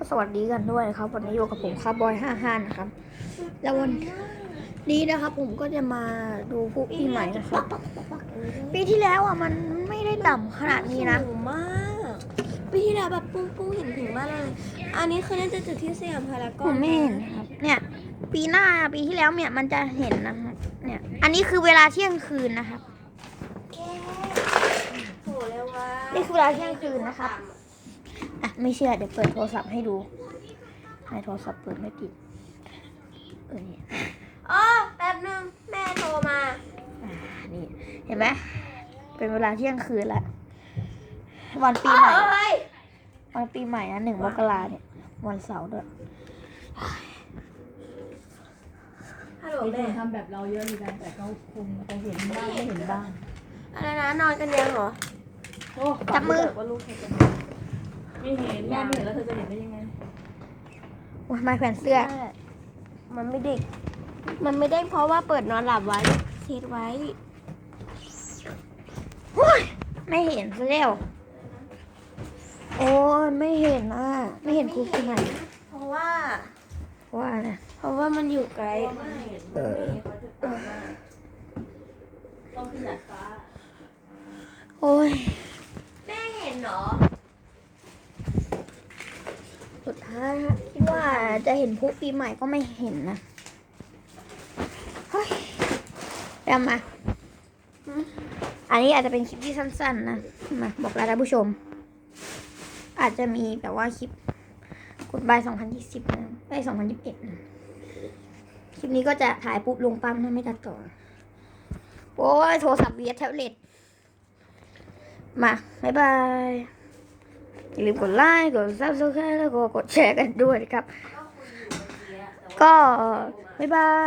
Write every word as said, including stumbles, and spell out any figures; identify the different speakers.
Speaker 1: สวัสดีกันด้วยครับวันนี้อยู่กับผมคาร์บอยห้าห้านะครับแล้ววันนี้นะครับผมก็จะมาดูพวกปีใหม่นะครับปีที่แล้วอ่ะมันไม่ได้ต่ำขนาดนี้นะ
Speaker 2: สูงมากปีที่แล้วแบบปุ้งปุ้งเห็นถึงมากเลย อันนี้คือน่าจะจุดที่สยามพาราก
Speaker 1: ผ
Speaker 2: อน
Speaker 1: มไม่เห็นนะครับเนี่ยปีหน้าปีที่แล้วเนี่ยมันจะเห็นนะครับเนี่ยอันนี้คือเวลาเที่ยงคืนนะครับ
Speaker 2: โหเร็วว่ะ
Speaker 1: นี่คือเวลาเที่ยงคืนนะครับอ่ะไม่เชื่อเดี๋ยวเปิดโทรศัพท์ให้ดูในโทรศัพท์เปิดไม่ติดเออเนี่ย
Speaker 2: อ๋อแป๊บนึงแม่โทรมา
Speaker 1: อ่านี่เห็นไหมเป็นเวลาเที่ยงคืนแล้ววันปีใหม่
Speaker 2: เอ้ย
Speaker 1: วันปีใหม่นะหนึ่งมกราเนี่ยวันเสาร์ด้วย
Speaker 2: ฮัลโหล
Speaker 3: มีค
Speaker 2: แม่
Speaker 3: นทำแบบเราเยอะเหมือนกันแต่เขาคงจะเห็นบ้างไม่เห็นบ้าง
Speaker 2: อะไรนะนอนกันยังเหรอ
Speaker 3: โอ้
Speaker 1: จับมือ
Speaker 2: ว่าลูกใครจะ
Speaker 3: ไม่เห็นแม่ไม่เห็นแล้วเธอจะเห็นได้ยังไง
Speaker 1: โอ้ยไม้แขวนเสื้อ
Speaker 2: มันไม่เด็ก มันไม่ได้เพราะว่าเปิดนอนหลับไว้เซตไว้
Speaker 1: โอ้ยไม่เห็นซะแล้วโอ้ยไม่เห็นอ่ะไม่เห็นครูปีใหม่
Speaker 2: เพราะว่า
Speaker 1: ว่านะ
Speaker 2: เพราะว่ามันอยู่ไกล
Speaker 1: เออ
Speaker 3: ต้องขยันฟ้า
Speaker 1: โอ้ย
Speaker 2: แม่เห็นเหรอ
Speaker 1: สุดท้ายฮะคิดว่าจะเห็นพลุปีใหม่ก็ไม่เห็นนะเฮ้ยเดี๋ยวมาอันนี้อาจจะเป็นคลิปที่สั้นๆนะมาบอกลาท่านผู้ชม อาจจะมีแบบว่าคลิปกดบายสองพันยี่สิบนะได้สองพันยี่สิบเอ็ดนะคลิปนี้ก็จะถ่ายปุ๊บลงปั๊มนะไม่ตัดต่อโอ้ยโทรศัพท์เวียแท็บเล็ตมาบ๊ายบายอย่าลืมกดไลค์กดซับสไครต์แล้วก็กดแชร์กันด้วยนะครับ ก็บ๊ายบาย